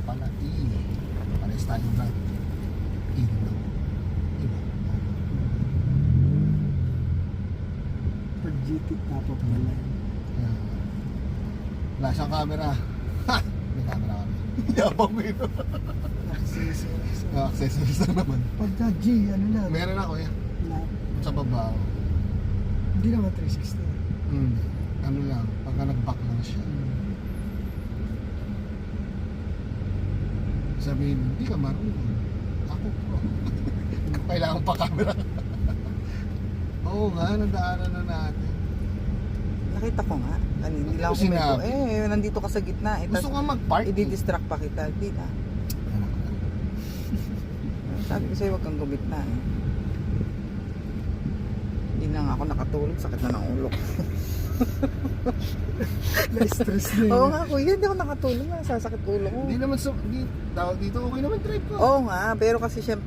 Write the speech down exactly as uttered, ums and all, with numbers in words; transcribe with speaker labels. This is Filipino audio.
Speaker 1: pala, E. Pares tayo ba? E din ako. Iba.
Speaker 2: Pag G T tapos wala.
Speaker 1: Yan. Wala siyang camera. Ha! May camera kami. Yabang mo yun.
Speaker 2: Accessories.
Speaker 1: Ah, accessories lang naman.
Speaker 2: Pagka G, ano lang.
Speaker 1: Meron ako yan.
Speaker 2: Na,
Speaker 1: Sa baba ako.
Speaker 2: hindi naman three sixty.
Speaker 1: Hmm. Ano lang, pagka nag-back lang siya. Sabihin, hindi ka marunong. Ako pro. Kailangan pa camera. Oo nga, nadaanan na natin.
Speaker 3: Nakita ko nga. Ano, hindi
Speaker 1: Bakit
Speaker 3: lang
Speaker 1: mo
Speaker 3: ako may
Speaker 1: sinabi?
Speaker 3: Eh, nandito ka sa gitna. Eh,
Speaker 1: Gusto
Speaker 3: tas
Speaker 1: nga mag-park.
Speaker 3: i-distract pa kita. Di na.
Speaker 1: Anak ko.
Speaker 3: Sabi ko sa'yo, huwag kang gumitna eh. Hindi na nga ako nakatulog. Sakit na ng ulo ko.
Speaker 2: Na-stress na yun.
Speaker 3: Oo nga kuya, hindi ako nakatulog. Nasasakit ulo ko.
Speaker 1: Hindi naman sa, hindi, tawag dito, okay naman trip ko.
Speaker 3: Oo nga, pero kasi syempre